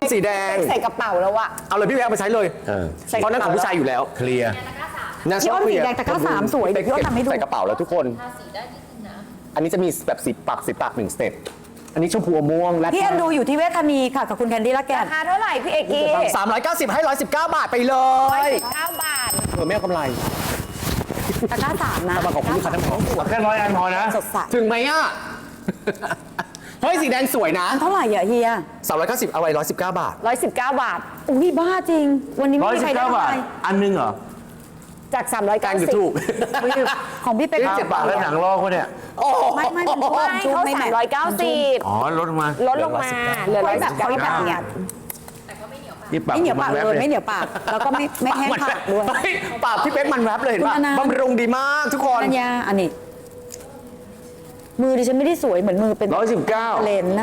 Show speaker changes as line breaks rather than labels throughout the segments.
สีแดง
ใส่กระเป๋าแล้วอะ
เอาเลยพี่แววไปใช้เลยเพราะนั่นของผู้ชายอยู่แล้ว
เคลียร์
พี่อ้นสีแดงตะกร้า3สวยเดี๋ยวพี่อ้นทำให้ดู
ใส่กระเป๋าแล้วทุกคน
ทาสีได้นิดนึงนะ
อันนี้จะมีแบบสีปาก1สเต็ปอันนี้ชมพูอมม่วงและ
พี่แอนดูอยู่ที่เวทธานีค่ะกับคุณแคนดี้ละแกน
ราคาเท่าไหร่พี่เอกกี้
390ให้119 บาทไปเลย
119 บาท
ไม่เอากำไร
ตะกร้า3นะ
กำลังของคุณลูกค้าทั้งสอง
แค่100 อันพอนะ
สดใส
ถึงไหมอ่ะ เฮ้ยสีแดงสวยนะ
เท่าไหร่อะเฮีย
390เอาไว้119 บาท
119 บาท
อุ้ยบ้าจริง วันนี้ไม่มีใครได้
119 บาท อันนึงเหรอ
จาก
การอยู่ถูก
390
ของพี่เป๊ก
7 บาทแล้วหนังลอกเขาเนี่ย
โอ้โห
ไม่มันชุ่ม
ไม่
ชุ่ม
เขา
ไม่แมท
390
อ๋อ ลดลงมา
ลดลงมาเหลือ
ไม่แบบเขาแบบ
119
เนี่ย
นี่ปาก
ไม่เหนียวปาก
แวบ
เลยไม่เหนียวปากแล้วก็ไม่แห้งปากด้วย
เฮ้ปากพี่เป๊กมันแรปเลยเห็นป่ะ
คุณอนันต์
บำรุงดีมากทุกคน
นัญญาอันนี้ มือดิฉันไม่ได้สวยเหมือนมือเป็น
119
เลนนะ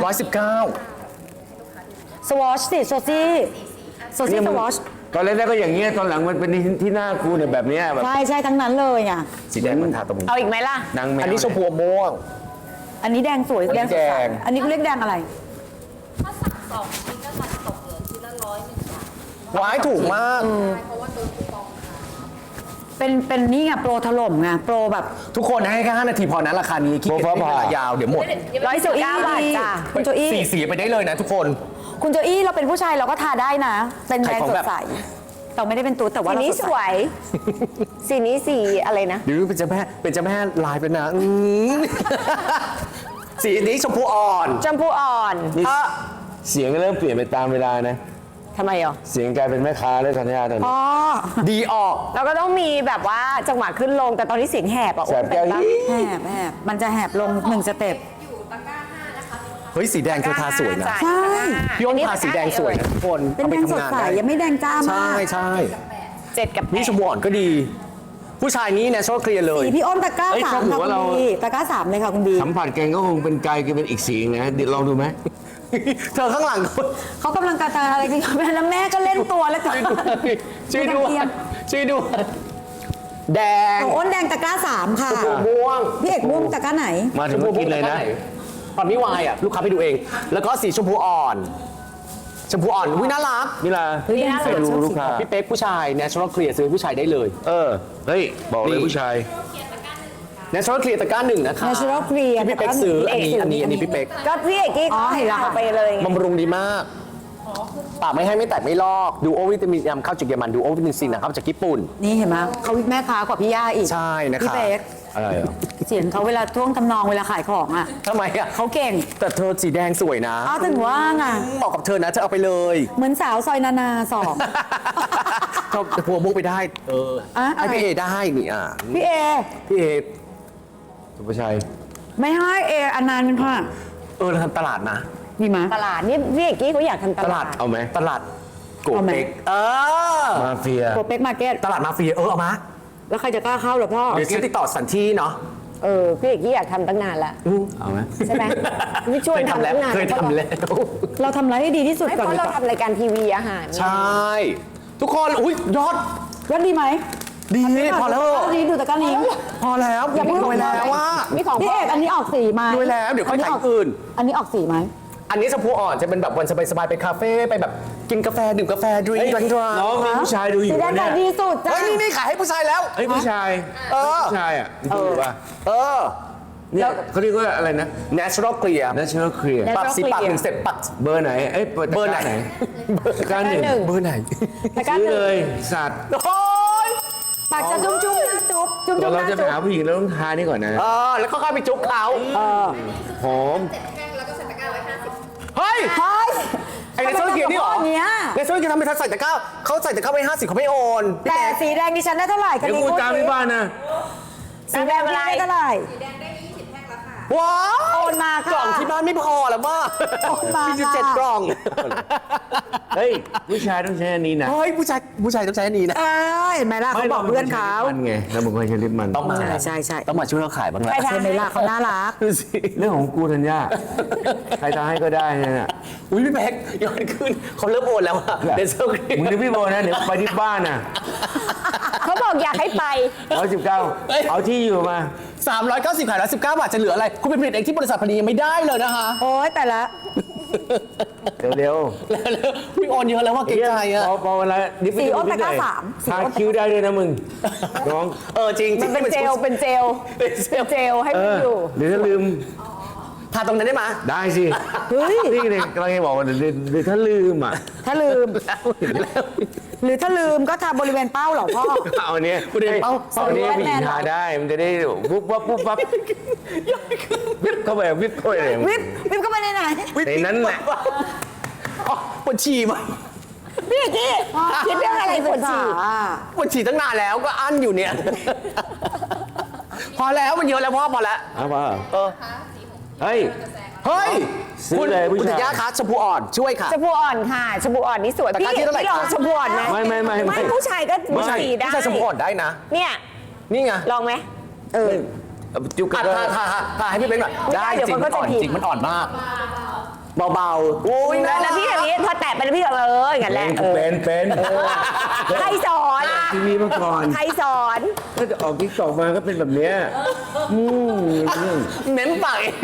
119
สวอชสิโซซี่โซซี่สวอช
ตอนแรกก็อย่างเงี้ย ตอนหลังมันเป็นที่หน้ากูเนี่ยแบบเนี้ยแบบ
ใช่ใช่ทั้งนั้นเลยอ่ะ
สีแดงมันทาตรงนี้
เอาอีกไหมล่ะ
นางแมว
อันนี้ชมพูม่วง
อันนี้แดงสวยแดงสดใส
แดง
อันนี้เขาเรียกแดงอะไร
ถ้าสั่ง2 ชิ้นก็จะตกเหลือชิ้นละ101 บาท
ว้ายถูกมาก
เพราะว่าตัวคูปองค่ะ
เป็นนี่ไงโปรถล่มไงโปรแบบ
ทุกคนให้แค่5 นาทีพอนะราคานี้คิด
โปรฟ้า
เว
ผ่า
ลายาวเดี๋ยวหมด
119 บาทจ้ะ
คุณโจอี้
สี่สีไปได้เลยนะทุกคน
คุณโจอี้เราเป็นผู้ชายเราก็ทาได้นะ เป็นแดง
ขายของ
ส
แบ
ด
บ
ใสเราไม่ได้เป็นตุ๊ดแต่ว่า
สี
เรา
นี้
สด
ส
ใส
วย สีนี้สีอะไรนะ
หรือเป็นเจ้าแม่ลายเป็นนะสีนี้ชมพูอ่อน
ชมพูอ่อน
นี่
เพราะ
เสียงเริ่มเปลี่ยนไปตามเวลานะ
ทำไมอ่ะ
เสียงกลายเป็นแม่ค้าแล้วธัญญาตอนนี้
อ๋อ
ดีออก
เราก็ต้องมีแบบว่าจังหวะขึ้นลงแต่ตอนนี้เสียงแหบอ่ะ
แสบแก้ว
โอ้
ยี่
แหบมันจะแหบลง1สเต็ป
เฮ้ยสีแดงเธอทาสวยนะ
ใช่
พี่อ้นทาสีแดงสวยนะทุกคน
เป็น
เอาไป
แดงส
ทำ
ด
งาน
ใส
ได้
ยังไม่แดงจ้า
ใช่
มาก
ใช่
7 กับ
นี่ชมพูอ่อนก็ดี ผู้ชายนี้ natural clear เลย
สีพี่อ้นตะกร้า
เอ้ย
สา
ถ้าม ถือ
ค่ะ
ว่า
คุณ
เรา
บีตะกร้า3เลยค่ะคุณบี
สัมผัสแกงก็คงเป็นไกลกันเป็นอีกสีนะเดี๋ยวลองดูไหม
เธอข้างหลัง
เขากำลังกระจายอะไรกันอยู่แล้วแม่ก็เล่นตัวแล้วกัน
ช่วยด้วยช่วยด้วยแดง
ของอ้นแดงตะกร้า3ค่ะ
ม่วง
พี่เอกม่วงตะกร้าไหน
มาถึงก็กินเลยนะ
ตอนนี้วายอ่ะลูกค้าไปดูเอง แล้วก็สีชมพูอ่อนชมพูอ่อนอุ้ยน่ารัก
นี่ล่ะ
เฮ้ยแดงสวย
ไปดู
ชอบ
ลู
สี
กค้า
พี่เป๊กผู้ชาย natural clear ซื้อผู้ชายได้เลย
เฮ้ย บอกเลย
นี่
ผู้ชาย
natural clear ตะกร้า1นะคะ
Natural Clear
ที่พี่เป๊กซื้อ
ตะกร้าหนึ่ง
อันนี้พี่เป๊ก
ก็พี่เอกกี้
อ๋อเห็นแล้วค่ะ
ไปเลยไง
บำรุงดีมากปากไม่ให้ไม่แตกไม่ลอกดูโอวิตามินนำเข้าจากเยอรมันดูโอวิตามินซีนะครับจากญี่ปุ่น
นี่เห็นไหมเขาแม่ค้ากว่าพี่ย่าอีก
ใช่นะคะ
พี่เป๊ก
อะไรเหรอ
เสียงเขาเวลาท่วงทำนองเวลาขายของอ่ะ
ทำไมอ่ะ
เขาเก่ง
แต่เธอสีแดงสวยนะ
อ้าวถึงว่าไง
เหมาะกับเธอนะเธอเอาไปเลย
เหมือนสาวซอยนานาสอง
เขาพัวมุกไปได้
อ่ะ
ให้พี่เอได้นี่
พี่เอ
พี่เอ
สุภาชัย
ไม่ให้เออันนานเป็นค่ะ
เราทำตลาดนะ
ดีไหม
ตลาดนี่พี่เอกกี้เขาอยากทำต
ต
ลา
ลา
ด
ด
เอาไหม
ตลาดโก
เอาไหม
เต็ก
มาเฟีย
โปรเป๊กมาร์เก็ต
ตลาดมาเฟียเอามา
แล้วใครจะกล้าเข้าเหรอพ่อ
เดี๋ยวฉันติดต่อสันที่เนาะ
พี่เอกกี้อยากทำตั้งนานละ
เอาไหม
ใช่ไหมพี่ช่วย
เคยทำ
ทำ
แล้ว
ตั้งนาน
เคยทำแล้ว
เราทำอะไรให้ดีที่สุด
ไม่
ก่อน
เพราะ
ดี
เรา
กว่า
ทำรายการทีวีอาหาร
ใช่ ทุกคนอุ้ยยอด
ยอดดีไหม
ดีพอแล้ว
ดีดูตะกร้านี้
พอแล้ว
อย่าเพิ่ง
รวยแล้วว่า
มีของ
พี่เอกอันนี้ออกสีไหม
รวยแล้วเดี๋ยวค่อยถ่ายอื่น
อันนี้ออกสีไหม
อันนี้ชมพูอ่อนจะเป็นแบบวันสบายๆไปคาเฟ่ไปแบบกินกาแฟดื่มกาแฟดริง
เฮ้ย
ก์ดริงก์
น้องมีผู้ชายดูอ
สี
ยู่
แดง
เนี่
ขาย ยดีสุดจ้า
เฮ้ยนี่ขายให้ผู้ชายแล้ว
เฮ้ยผู้ชาย
เออ
ผู้ชายอ่ะดูป่ะ
เออ
เนี่ยเขาเรียกว่าอะไรนะ
natural clear
National Clear
ปรับสีปากหนึ่งเสร็จปัก
เบอร์ไหน เอ้ยเบอร์ไหนการหนึ่ง
เบอร์ไหน
ซื้อเลยสัตว์
โอ้ย
ปากจะจุ๊บจุ๊บหน้าจุ๊บจุ๊บจุ๊บห
เรา
น้า
จะไป
จุ๊บ
หาผู้หญิงเราต้องทานี่ก่อนนะ
แล้วก็ค่อยไปจุ๊บเขา
หอม
เฮ้ย
เฮ้ย
ไอ้ในโซเชียลนี่เหรอ
ทำไมทำกับพ่ออย่างเงี้ย
ในโซเชียลทำไมทันใส่ตะกร้าเขาใส่ตะกร้าไป50เขาไม่โอน
แต่สีแดงดิฉันได้เท่าไหร่
เดี๋ยวกูตามที่บ้านนะ
สีแดงอะไรเท่าไหร่
ว้าว
โอนมาค่ะ
กล่องที่บ้านไม่พอแล้วว่า
โอนมา
มีอยู่
ค่ะ
7 กล่อง
เฮ้ยผู้ชายต้องใช้อันนี้นะ
เฮ้ยผู้ชายต้องใช้อันนี้นะ
เห็นไหมล่ะเขาบอกเพื่อนเขา
มันไงเราบอกว่าใช้ลิปมัน
ต้องมา
ใช่ใช่
ต้องมาช่วยเขาขายบ้างแหละ
ใช่ไหมล่ะเขาน่ารัก
ดูสิ
เรื่องของกูธัญญาใครทาให้ก็ได้เนี่ยนะ
อุ้ยพี่แพ็กย้อนขึ้นเขาเริ่มโอนแล้วอะเดนเซอร์
มึงดูพี่โบนะ เดี๋ยวไปที่บ้านน่ะ
เขาบอกอยากให้ไป
119เอาที่อยู่มา
390ขายแล้ว19 บาทจะเหลืออะไร คุณไปผลิตเองที่บริษัทพอดียังไม่ได้เลยนะคะ
โอ๊ยแต่ละ
เร็ว
แล้วพี่โอนเยอะแล้วว่า
ๆ
เกรงใจอ่ะ
พอเวลาดิ
สีอ้นตะกร้าสาม
ทาคิ้วได้ด้วยนะมึงน้อง
จริง
มันเป็นเจลเป็นเจลให้มันอยู่
หรือถ้าลืม
ทาตรงนั้นได้ไหม
ได้สิเฮ้ยนี่เลยกำลังจะบอกว่าหรือถ้าลืมอ่ะ
ถ้าลืม หรือถ้าลืมก็ทาบริเวณเป้าเหรอพ่อ
เอาอันเนี้ย
ประเด็นเป้า
เอาอันเนี้ยผู้หญิงทาได้มันจะได้ปุ๊บปั๊บปุ๊บปั๊บวิบเข้าไปวิบเข้าไปเลย
วิบเข้าไปในไหน
ในนั้นแหละ
ปวดฉี่มา
พี่กี้คิดเรื่องอะไรปวดฉี่
ปวดฉี่ตั้งนานแล้วก็อั้นอยู่เนี่ย พอแล้วมันเยอะแล้วพ่อพอแล้ว
เอาป่ะเฮ้ย
เฮ้ย
ซื้อเลยผู้ชาย
คุณธัญญาคะชมพูอ่อนช่วยค่ะ
ชมพูอ่อนค่ะชมพูอ่อนนี่สวย
ตะ
พี่
กร้าที่เท่าไหร่
พี่ลอง
คะ
ชมพูอ่อนนะ
ไม่
ผู้ชายก็
ผู้ชาย
ฉี่ได้
ผู้ชายชมพูอ่อนได้นะ
เนี่ย
นี่ไง
ลองไหม
จุกก
อ่ะ
ระ
ทาให้พี่เบ้นหน่อย
ไม่ได้
ได้
เดี๋ยว
จริง
มั
มัน น
ก็
อ่อน
จะผิด
จริงมันอ่อนมาก เบาๆโอ้ย
แล้วพี่อย่างนี้พอแตะไปแล้วพี่ก็อย่างนั้นแหละ
เป็น
ใครสอน
ทีวีมาก่อน
ใครสอน
ถ้าจะออกทิกตอกมาก็เป็นแบบเนี้ย
เม้มปากเอง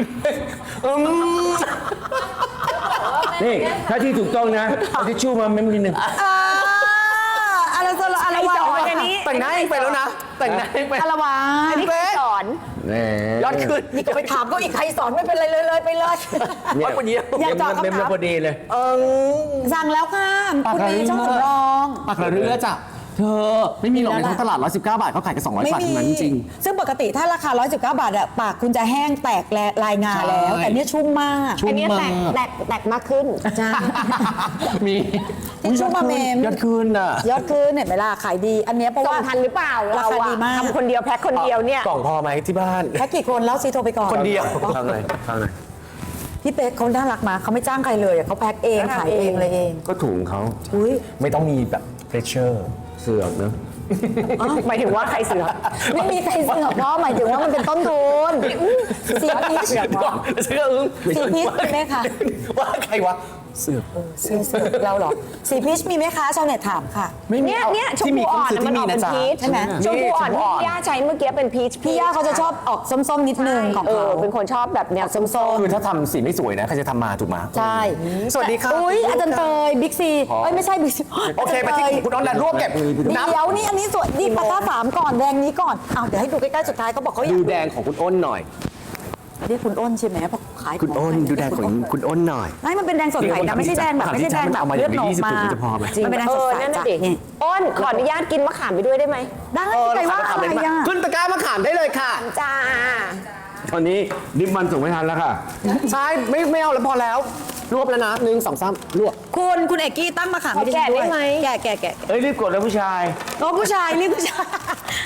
นี่ถ้าที่ถูกต้องนะเอาทิชชู่มาเม้มนิดนึง
อะไรสละอะไร
ใคร
วะ
สอนอันนี้
แต่งหน้าเองไปแล้วนะ แต่งหน้าเองไป
อะไรวะ
อันนี้ใครสอน
แหม
ยอดขึ้น
นี่ก็ไปถามก็อีกใครสอนไม่เป็นไรเลยไปเลย
เนี่ย
คนเดียว
อยากตอบคำถาม
เม้มแล้วพอดีเลย
สั่งแล้วค่ะคุณดีช่องสำรอง
ปากกระเรือจ้ะเธอไม่มีหรอกในท้องตลาด 119 บาทเขาขายกัน200 บาทเท่านั้นจริง
ซึ่งปกติถ้าราคา 119 บาทอะปากคุณจะแห้งแตกลายงาแล้ว
ใช่
แต่เนี่ยชุ่มมาก
ชุ่
อัน
ม
นี้
มาก
แตกมากขึ้น
ใช่
มี
ทิชชู่มาเมม
ยอดขึ้นอ่ะ
ยอดขึ้นเห็นไหมล่ะขายดี อันเนี้ยเพราะ
ส่
ว่าง
ทันหรือเปล่า
รา
เรา
คา
อะ
ดีมาก
ทำคนเดียวแพ็คคนเดียวเนี่ย
กล่องพอไหมที่บ้าน
แค่กี่คนแล้วซีโทรไปก่อน
คนเดียว
ทำเลยทำเลย
พี่เป๊กเขาน่ารักมากเขาไม่จ้างใครเลยอะเขาแพ็คเองขายเองเลยเอง
ก็ถุงเขา
อุ้ย
ไม่ต้องมีแบบเพรสเชอร์
เสือกเนอะ
หมายถึงว่าใครเสือก
ไม่มีใครเสือกเพราะหมายถึงว่ามันเป็นต้นทุนสีพีช
เสื้ออึ้ง
สีพีชมีไหมคะ
ว่าใครวะเสือก
สีเสือกเราเหรอสีพีชมีไหมคะชาวเน็ตถามค่ะ
ไม่มี
เนี่ยชม
ที่
พูอ่อน
ที่
มันออกเป็น
จ๊ะ
พีช
ใช่ไหม
ชมพูอ่อนที่พี่ย่าใช้เมื่อกี้เป็นพีช
พี่ย่าเขาจะชอบออกส้มๆนิดนึงของเขา
เป็นคนชอบแบบแนวส้ม
คือถ้าทำสีไม่สวยนะใครจะทำมาถูกไหม
ใช่
สวัสดีครับ
อุ้ยอาจารย์เตยบิ๊กซีเอ้ยไม่ใช่บิ๊กซี
โอเคไปที่คุณน้องแดนรวบเก็บนับ
เดี๋ยวนี่อันนี้สวยนี่ปากกา3ก่อนแดงนี้ก่อนเอาเดี๋ยวให้ดูใกล้ๆสุดท้ายเขาบอกเขาอยา
ดู
ก
แดงของคุณอ้นหน่อย
เรียกคุณอ้นใช่ไหมเพราะขาย
คุณอ้นดูแดงของคุณอ้นหน่อย
ไม่มันเป็นแดงสดใสนะไม่ใช่แดงแบบไม่ใช่แดงแบบ
เอามา
เลือดหนอง
20
มา
จะพอไหม
มันเป็นแดงสดใส
นั่น
จ้ะ
น่ะดิ
นี่
อ้นขออนุญาตกินมะขามไปด้วยได้ไหม
ได้ใจว่าอะไรอ่ะ
ขึ้นตะกร้ามะขามได้เลยค่ะ
จ้า
ตอนนี้ดิบมันส่งไม่ทันแล้วค่ะ
ใช่ไม่เอาแล้วพอแล้ว รวบแล้วนะ1 2 3รวบ
คุณเอกกี้ตั้งมาขาม
ขอแกะได้ไหม
แกะ
เอ้ยรีบกดแล้วผู้ชาย
โอ้ผู้ชายนี่ผู้ชาย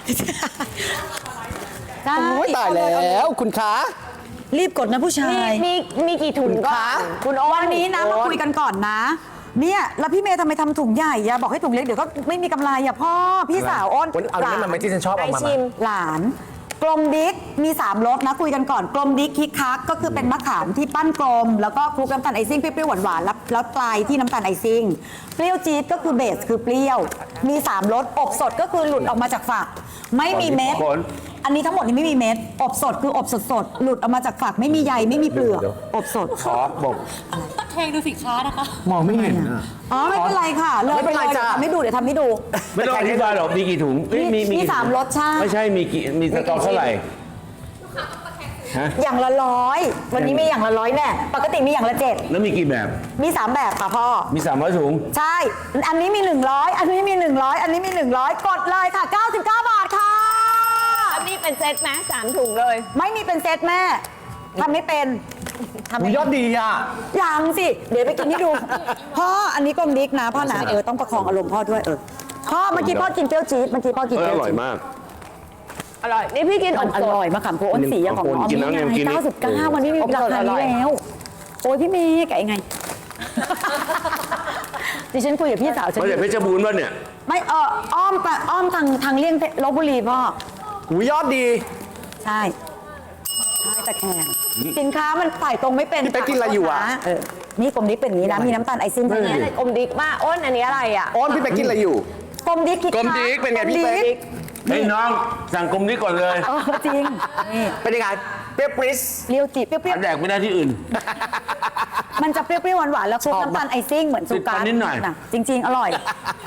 ได้
โอ้ยตายแล้วคุณคะ
รีบกดนะผู้ชาย
มีกี่ถุงก่อนคุณอ้น
วันนี้นะมาคุยกันก่อนนะ เนี่ยแล้วพี่เมย์ทำไมทำถุงใหญ่อะบอกให้ถุงเล็กเดี๋ยวก็ไม่มีกำไรอะพ่อพี่สาวอ้น
เอาเนี่ยมันไม่ที่ฉันชอบเอามา
ชิม
หลานกลมดิ๊กมี3รสนะคุยกันก่อนกลมดิ๊กคิกคักก็คือเป็นมะขามที่ปั้นกลม แล้วก็คลุกน้ำตาลไอซิ่งเปรี้ยวๆหวานๆแล้วปลายที่น้ำตาลไอซิ่งเปรี้ยวจี๊ดก็คือเบสคือเปรี้ยวมี3รสอบสดก็คือหลุดออกมาจากฝักไม่มีเม็ด
ผล
อันนี้ทั้งหมดนี้ไม่มีเม็ดอบสดคืออบสดๆหลุดออกมาจากฝักไม่มีใยไม่มีเปลือกอบสด
ขอบอก
แทงดูสิค้านะคะ
มองไม่เห็นอะ
อ๋อไม่เป็นไรค่ะเลย
ไม่เป็นไร
ลย
จ้ะ
เดี๋ยวทำให้ดูเดี๋ยวทำให้ดู
ไม่ต้องอธิบายหรอกมีกี่ถุงเอ้ย
มีสามรสชาติ
ไม่ใช่มีกี่มีสต็อกเท่าไหร่ฮะ
อย่างละ100วันนี้มีอย่างละ100แน่ปกติมีอย่างละ7
แล้วมีกี่แบบ
มี3แบบค่ะพ่อ
มี300ถุง
ใช่ อันนี้มี100อันนี้มี100อันนี้มี100กดเลยค่ะ99 บาทค่ะ
อันนี้เป็นเซตไหม3 ถุงเลย
ไม่มีเป็นเซตแม่ทำไม่เป็นทำ
อุ๊
ไม่
ยยอดดีอ่ะ
ยังสิ เดี๋ยวไปกินให้ดู พ่ออันนี้กลมดิ๊กนะพ่อนะต้องประคองอารมณ์พ่อด้วยพ่อเมื่อกี้พ่อกินเปรี้ยวจี๊ดเมื่อกี้พ่อกิน
เอ
เป
อ
รี้
อ
ยว
ร่อย
จี๊ด
มาก
อร่อย นี่พี่กิน
อร่อยมะขามโพอ้นสีอย่างของน้อง
กินแล้วเนี่ยกินนี่
99วันนี้มีราคานี้แล้วโอ้ยพี่เมย์แกะยังไง ดิฉันคุยกับพี่สาวฉัน
มาจากเพชรบูรณ์ป่ะเนี่ย
ไม่อ้อมไปอ้อมทางเลี่ยงลบบุรีพ่อ
หูยอดดี
ใช่ตะแคงสินค้ามันถ่ายตรงไม่เป็น
พี่เป๊กกินอะไรอยู่อะ
นี่กลมดิ๊กเป็นอย่างนี้นะมีน้ำตาลไอซิ่ง
อันนี้อะไรอมดิกมากอ้นอันนี้อะไรอ่ะ
อ้นพี่ไปกินอะไรอยู่
กลมดิ๊กคิด
กลมดิ๊กเป็นไงพี่เป๊ก
เฮ้ยน้องสั่งกลมนี้ก่อนเลย
จริงนี่
เป็นยังไงเปรี้ยวปริส
เปรี้ยวจี๊ดเปรี้ยว
แดกไม่ได้ที่อื่น
ๆมันจะเปรี้ยวๆหวานๆแล้วคลุกน้ำตาลไอซิ่งเหมือนซูการ์
ติดฟันนิดหน่อย
ะจริง ๆ อร่อย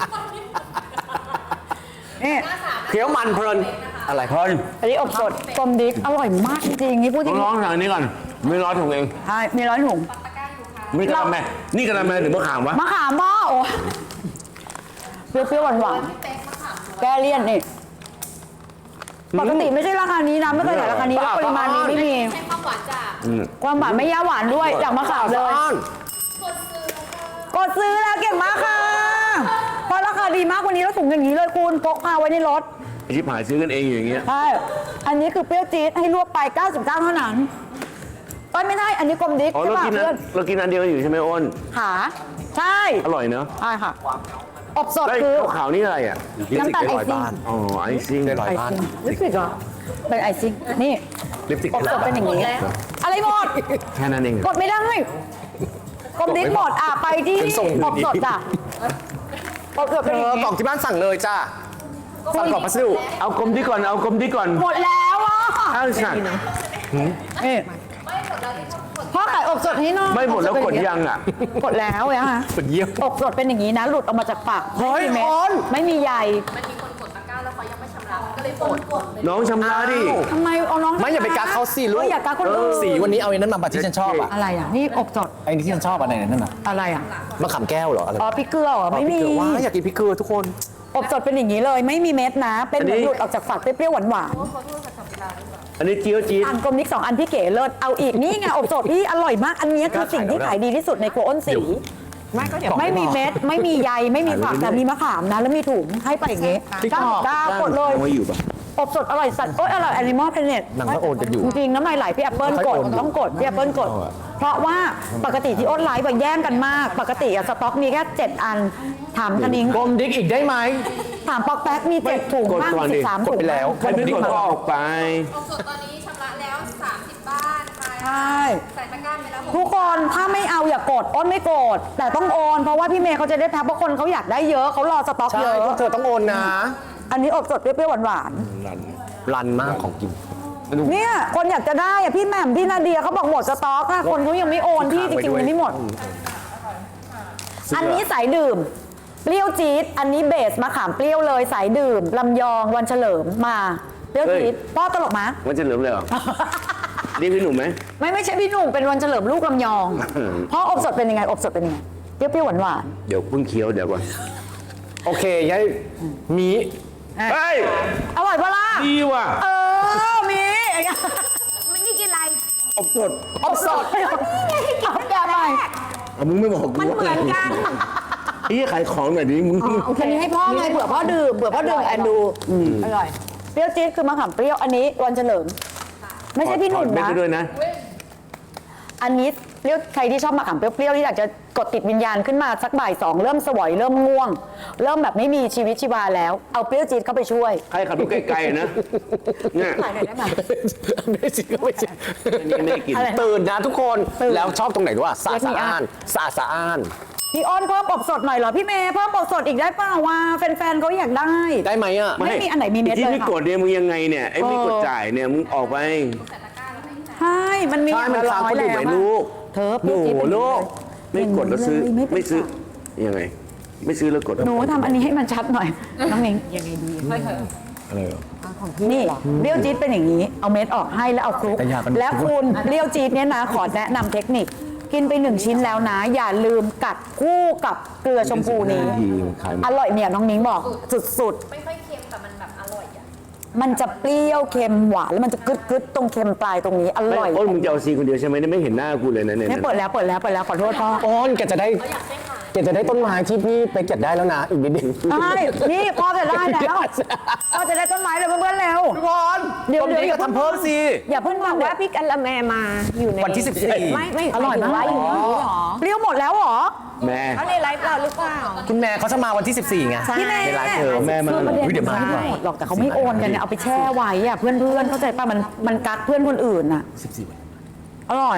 นี่
เคี้ยวมันเพลินอะไร
พอน
อันนี้อบสด
กลมดิกอร่อยมากจริงๆนี่พูดจริง
น้องๆสั่งอันนี้ก่อนไม่ร้อนถุงเอง
ใช่มีร้อยถุง
ไม่กระแมนี่กระแมหรือมะขามวะ
มะขามหม้อโอ้เปรี้ยวๆหวานๆแก้เลี่ยนนี่ปกติไม่ใช่ราคานี้นะไม่เคยขายราคานี้แล้วปริมาณนี้ไม่มี
ใช้ความหวานจาก
ความหวานไม่ย่าหวานด้วยอย่างมะขามเลย กดซื้อแล้วเก่งมากค่ะเพราะราคาดีมากวันนี้เราถุงอย่างนี้เลยคุณพกพาไว้ในรถ
ไอ้ชิบหายซื้อกันเองอย่างเงี้ย
ใช่อันนี้คือเปรี้ยวจี๊ดให้รวบไป 99 เท่านั้นก็ไม่ได้อันนี้กลมดิก
อ๋อ
ใช่
เรา
ป่ะ
กิน
เพื่อน
เรากินอันเดียวอยู่ใช่ไหมอ้น
ขาใช่
อร่อยเนอะ
ใช่ค่ะอบสด
ไอ้
คือ
ขาวๆนี่อะไรอ่ะ
น้ำตาลไอซิ่ง
อ๋อไอซิ่ง
ได้ร้อย
ไอ
บ้าน
ซิ่งลิปสติกเหรอเป็นไอซิ่งนี่
ลิปสติก
อบสดเป็นอย่างนี้ อะไรหมด
แค่นั้นเอง
กดไม่ได้กลมดิกหมดไปที่อบสดจ้ะอบสดเป็นอย่างนี้
กล่องที่บ้านสั่งเลยจ้าสั่งกล่องพัสดุ
เอากลมที่ก่อนเอากลมที่ก่อน
หมดแล้วอ่ะ
อ้าวสั่ง
นี่พ่อขายอบสดให้หน้อง
ไม่หมดแล้วกดยังอ่ะ
กดแล้วอะฮะ
เป็นเยี่ยม
อบสดเป็นอย่างนี้นะ หลุดออกมาจากปาก
เฮ้ย
ไม่มีเม็ด
ออน
ไม่มีใย
มันมีคนกดตะกร้าแล้วเขายังไม่ชำระก็เลยกดเลย
น้องชำระดิ
ทำไมเอาน้อง
ไม่อย่าไปกักเขาสิลูก
อย่ากักคนอื่น
สีวันนี้เอาไอ้นั้นมาที่ฉันชอบอ่ะ
อะไรอ่ะ นี่อบสด
ไอ้นี่ที่ฉันชอบอะไรนั่นน่ะ
อะไรอ่ะ
มะขามแก้วเหรออะไร
อ๋อพริกเกลือเหรอไม่มี
ว้าอยากกินพริกเกลือทุกคน
อบสดเป็นอย่างนี้เลย ไม่มีเม็ดนะ เป็นเหมือนหลุดออกจากฝักเปรี้ยวๆหวาน
อันนี้เจียวจี๊ด
ๆอันกลมนิก2 อันพี่เก๋เลิศเอาอีกนี่ไงอบสดพี่อร่อยมาก อันนี้คือสิ่งที่ขายดีที่สุดในครัวอ้นสี
ไม่ก็เดี๋ยว
ไม่มีเม็ด ไม่มีใย ไม่มีฝักแต่มีมะขามนะ แล้วมีถุงให้ไปอย่างงี้99กดเลย
เอาไว้อยู่ปะ
อบสดอร่อยสัตว์โอ้ยอร่อยแอนิมอลเพลเน็ต
หนังก็โอนกันอยู่
จริงๆน้ำลายไหลพี่แอปเปิล
ค่อย
กด
โอนอยู่
ต้องกดพี่แอปเปิลกด เพราะว่าปกติที่อ้นไลฟ์แบบแย่งกันมาก ปกติอะสต็อกมีแค่ 7 อัน ถามคณิง
กลมดิกอีกได้ไหม
ถามปอกแป๊กมี 7 ถุง
กด
บ้าง
ก่อนดิ
13
ก
ถุ
ด
ง
ไปแล้ว
ใครไม่กดก็ออกไป
อบสดตอนนี้ชำระแล้ว 30 บ้านค่ะ
ใช่
ใส่ตะกร้าไปแล้ว
ทุกคนถ้าไม่เอาอย่ากดอ้นไม่กด แต่ต้องโอนเพราะว่าพี่เมย์เขาจะได้แพ็คเพราะคนเขาอยากได้เยอะเขารอสต็อก
ใช่
เยอะ
พวกเธอต้องโอนนะ
อันนี้อบสดเปรี้ยวๆหวาน
รันมากของกิน
ๆเนี่ยคนอยากจะได้อะพี่แหม่มพี่นาเดียเขาบอกหมดสต็อกค่ะคนเขายังไม่โอนพี่จริงๆมันไม่หมด อันนี้สายดื่ม เปรี้ยวจี๊ดอันนี้เบสมะขามเปรี้ยวเลยสายดื่มลำยองวันเฉลิมมาเปรี้ยวจี๊ดพ่อตลกมะ
มันจะเหลือเลยเหรอนี่พี่หนุ่มไหม
ไม่ใช่พี่หนุ่มเป็นวันเฉลิมลูกลำยองพ่ออบสดเป็นยังไงอบสดเป็นยังไงเปรี้ยวๆหวาน
เดี๋ยวเพิ่งเคี้ยวเดี๋ยวก่อน
โอเคยายมี
เฮ้ย
ๆอร่อยปะล่ะ
ดีว่ะ
มี
นี่กินอะไร
อบสด
อบสดเอาแกไป
เอามึงไม่บอกกู
มันเหมือนกัน
ไอ้ขายของหน่อยดิมึง
อันนี้ให้พ่อไงเผื่อพ่อดื่มแอนดูอร่อยเปรี้ยวจี๊ดคือมะขามเปรี้ยวอันนี้วันเฉลิม ไม่ใช่พี่หนุ่ม
ถอดเม็ด
นะ
ไปด้วยนะ
อันนี้เปรี้ยวใครที่ชอบมะขามเปรี้ยวๆที่อยากจะกดติดวิญญาณขึ้นมาสักบ่าย2เริ่มสวยเริ่มง่วง เริ่มแบบไม่มีชีวิตชีวาแล้วเอาเปรี้ยวจี๊ดเข้าไปช่วย
ใครขับรถไกลๆนะเนี่ย
ขายหน่อยได้ไหม
ไม่จริงก็ไม่จริง
อันนี้ไม่ได้กิน
อะไร
ตื่นนะทุกคน
ตื่น
แล้วชอบตรงไหนรู้ป่ะสะ
เรียกมี
อา
อ่ะ
นสะอ้าน
พี่อ้อนเพิ่มอบสดหน่อยเหรอพี่เมย์เพิ่มอบสดอีกได้เปล่าวะแฟนๆเขาอยากได้
ได้ไหมอ่ะ
ไม่มีอันไหนมีเม็ด
ที่
เลย
ไม่
ค่ะ
กดเนี่ยมึงยังไงเนี่ยไอ้ไม่กดจ่ายเนี่ยมึงออกไป
ใช่มันมี
ใช่มันค้างคนอื่นไหมลูก
เธอ
โอ้โห
เป็น
ลูกไม่กดแล้วซื้อ
ไม่เป็น
ไม่ซื้อยังไง ไม่ซื้อแล้วกด
หนูทำอันนี้ให้มันชัดหน่อยน้องนิ้งยังไงดีค่อยเถอะ
อะไรเหรอ
นี่เปรี้ยวจี๊ดเป็นอย่างนี้ เอาเม็ดออกให้แล้วเอาคลุก
แต่อย่าเป็น
แล้วคุณเปรี้ยวจี๊ดเนี่ยนะขอแนะนำเทคนิค กินไป1 ชิ้นแล้วนะ อย่าลืมกัดคู่กับเกลือชมพูนี้
ทีมันขาย
อร่อยเนี่ยน้องนิ้งบอกสุด
ไม่ค่อยเค็มแต่มันแบบอร่อยอ่ะ
ๆ มันจะเปรี้ยวเค็มหวานแล้วมันจะกึดๆตรงเค็มปลายตรงนี้อร่อย
โอ้ยมึงจะเอาซีคนเดียวใช่ไหมเนี่ยไม่เห็นหน้ากูเลยนะเนี่ย
เนี่ยเปิดแล้วขอโทษพ่อ
โอนแกจะได้แกจะได้ต้นไม้ที่พี่ไปเก็บได้แล้วนะอีกนิดนึง
ใช่นี่พ่อจะได้แล้วพ่อจะได้ต้นไม้เลยเพื่อนๆเร็ว
ทุกคน
เดี๋ยว
ต้นนี้ก็ทำเพิ่มสิ
อย่าเพิ่ง
บอก
ว่า
ว่าพี่กัลละแมมาอยู่ใน
วันที่14
ไม่
อร่อยมาก
อยู่ในนี้เหรอ
เปรี้ยวหมดแล้วเหรอ
แม่
เขาในไลฟ์เราหรือเปล่า
คุณแม่เขาจะมาวันที่ 14ไง
พี่แม่
ในไลฟ์เธอ
แม่มา
อุ๊ยเดี๋ยวมา
ไม่ได้หมดหรอกแต่เขาไม่โอนกันเนี่ยเอาไปแช่ไว้อะเพื่อนๆเข้าใจป่ะมันกักเพื่อนคนอื่นอะ
14วัน
อร่อย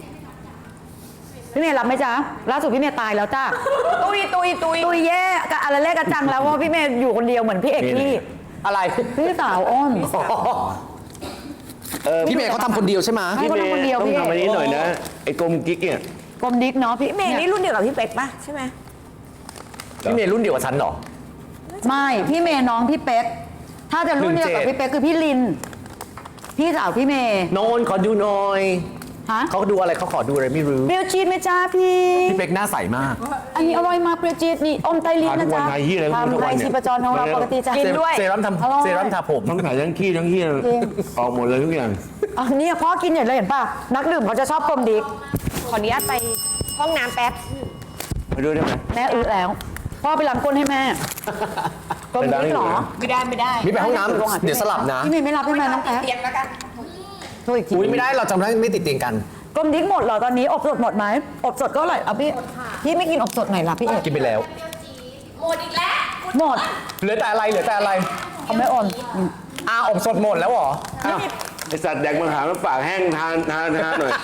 พี่เมย์รับไหมจ๊ะล่าสุดพี่เมย์ตายแล้วจ้าตุยแย่กับอะไรเล็กกระจังแล้วเพราะพี่เมย์อยู่คนเดียวเหมือนพี่เอกพี่
อะไร
พี่สาวอ้น
พี่เมย์เขาทำคนเดียวใช่ไหม
ให้คนทำคนเดียว
ต้อง
พี่
ทำอันนี้หน่อยนะไอ้กลมกิ๊กเนี่ย
กลมดิ๊กเนาะพี่
พี่เมย์นี่รุ่นเดียวกับพี่เป๊กปะใช่ไหม
พี่เมย์รุ่นเดียวกับฉันเหรอ
ไม่พี่เมย์น้องพี่เป๊กถ้าจะรุ่นเดียวกับพี่เป๊กคือพี่ลิน พี่สาวพี่เมย์
โนนขอดูหน่อย
ฮะ
เขาดูอะไรเขาขอดูอะไรไม่รู้
เปรี้ยวจี๊ดไหมจ้าพี่
พี่เป๊กหน้าใสมาก
อันนี้อร่อยมากเปรี้ยวจี๊ดนี่อมไตลินนะจ๊ะ
ทานทุกวันไทยที่อะไรก็ไม่รู้ทุก
ทำ
วั
ไท
น
ย
เนี่ย
ชีพจรของเราปกติจะกินด้วย
เซรั่ม
อร่อย
ทำเซรั่มทาผม
ต้องถ่ายทั้งขี้ทั้งเหี้ยออกหมดเลยทุกอย่าง
อ๋อเนี่ยพ่อกินอย่างไรเห็นป่ะนักดื่มเขาจะชอบกลมดิ๊ก
ขออนุญาตไปห้องน้ำแป๊บ
ไปดูได้ไหม
แม่อึแล้วพ่อไปล้างก้นให้แม่กลมดิ๊กเหรอ
ไม่ได้ไม่ได้
มีไปห้องน้ำเดี๋ยวสลับนะ
พี่เมย์ไม่รับให้แม่น้องแป๊บ
เตียงแล้วกัน
โทษอีกที
อุ้ยไม่ได้เราจำได้ไม่ติดเตียงกัน
กลมดิ๊กหมดเหรอตอนนี้อบสดหมดไหมอบสดก็อร่อยเอาพี่ไม่กินอบสดไหนล่ะพี่เอก
กินไปแล้ว
หมดอีกแล้ว
หมด
เหลือแต่อะไรเหลือแต่อะไร
เขาไม่โอน
อบสดหมดแล้วเหรอ
อ้าวไอสัตว์แดกมังหามันปากแห้งทานหน่อย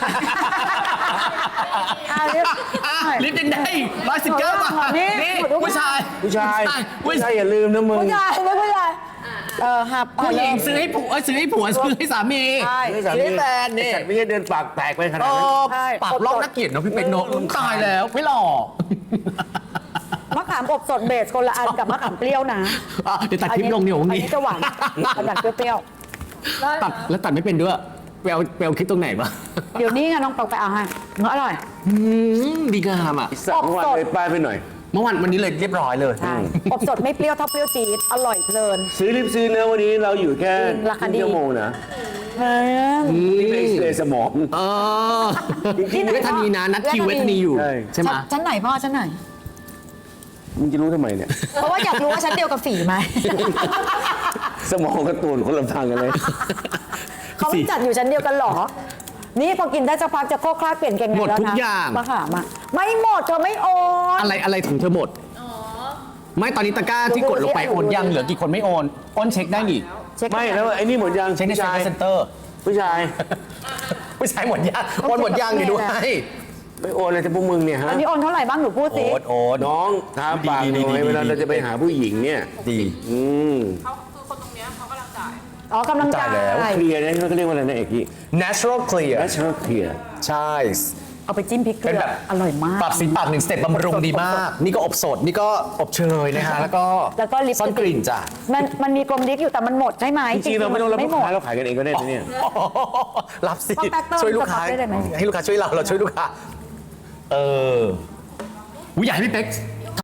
อ่าเรียบ
ลิปยังได้119 บาท
นี่
ผู้ชาย
ผู้ชายอย่าลืมนะมึง
ผู้ชายไม่ผู้ชายหับ
ผู้หญิงซื้อให้ผัวซื้อให้ผัวซื้อให้สามี
ใช่
ไม่สา
ซื้อ
มี
ให้แฟนนี่
ไอ้สัตว์ไม่ใช่เดินปากแตกไปขนาดนั้น
ใช่
ปากลอกนักเกียรติเนาะพี่เป็กเนาะตายแล้วไม่หล่อ
มะขามอบสดเบสคนละอันกับมะขามเปรี้ยวนะ
เดี๋ยวตัดคลิปลงเดี๋ยว
อัน
นี้
นี้จะหวานอันนั้นเปรี้ยว
ตัดแล้วตัดไม่เป็นด้วยไปเอาคลิปตรงไหนมา
ๆเดี๋ยวนี้ไงน้องปอกไปเอาให้เนื้ออร่อย
ดีงามอ่ะ
ไอ้สัตว์เมื่อวานเลยป้ายไปหน่อย
เมื่อวันนี้เลยเรียบร้อยเลย
ใช่อบสดไม่เปรี้ยวเท่าเปรี้ยวจี๊ดอร่อยเพลิน
รีบซื้อเนื้อวันนี้เราอยู่แค่
ราคาดี
ชั่วโมงนะ
เฮ้ย
นี่เป็นเอ็กซเรย์สมอง
เออเวทนีนะนัดคิวเวทนีอยู่
ใช่
ใช่ไหม
ชั้นไหนพ่อชั้นไหน
มึงจะรู้ทำไมเนี่ย
เพราะว่าอยากรู้ว่าชั้นเดียวกับฝีไหม
สมองกับตูนคนละทางกันเลย
เขาไม่จัดอยู่ชั้นเดียวกันเหรอ นี่พอกินได้สักพักจะโคกคลาดเปลี่ยนเก่งไง
หมด
แล้วนะ
ทุกอย่าง
มะขามอ่ะไม่หมดเธอไม่โอน
อะไรของเธอหมดไม่ตอนนี้ตะกร้าที่กดลงไปโอนยังเหลือกี่คนไม่โอนโอนเช็คได้นี่
เช็ค
ไม่แล้วไอ้นี่หมดยัง
เช็คใน
ผู้ชาย
เซ็นเตอร์
ผู้ชาย
ผู้ชายหมดยังโอนหมดยังนี่ด้วย
ไม่โอนเลยแต่พวกมึงเนี่ยฮะ
อันนี้โอนเท่าไหร่บ้างหนูพูดสิ
โอน
น้องทาปากหน่อยเวลาเราจะไปหาผู้หญิงเนี่ย
ดี
อืม
เขาคือคนตรงเนี้ยเขากำลังจ่าย
อ๋อกำลังจ่าย
จ่ายแล้ว
เคลียร์เนี่ยเขาเรียกว่าอะไรนะเอกกี้
natural clear
natural clear
ใช่
เอาไปจิ้มพริกเกลื
เป็น
อ
แบบ
อร่อยมาก
ปรับสีปาก1 สเต็ปบำรุงดีมาก นี่ก็อบสด นี่ก็อบเชยนะฮะ แล้วก็
แล้วก็ลิป
ซ่อนกลิ่นจ้ะ
มันมีกลมดิ๊กอยู่แต่มันหมดใช่ไหม
จริงๆเราไม่ต้องรับ
ไม่
ลูก
หมด
ค้าเราขายกันเองก็ได้นะเนี่ย
รับสิ
ป้าแป๊กเติม
ช่วยลูกค้า
สต็อกได้เลยไหม
ให้ลูกค้าช่วยเราช่วยลูกค้า เอออุ้ยอยากให้พี่เป๊ก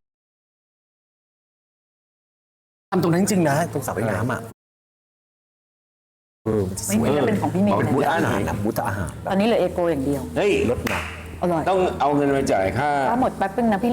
ทำตรงนั้นจริงๆนะ ตรงสระว่ายน้ำอ่ะมันจะส
ไม่
วย
เหมือนจะเป็นของพี่เมย์
เป็นบูธ
นะ
อาหารนะบูธอาหาร
ตอนนี้เหลือเอโกอย่างเดียว
เฮ้ย
รถหนัก
อร่อย
ต้องเอาเงินมาจ่ายค่า
ถ้าหมดแป๊บนึงนะพี่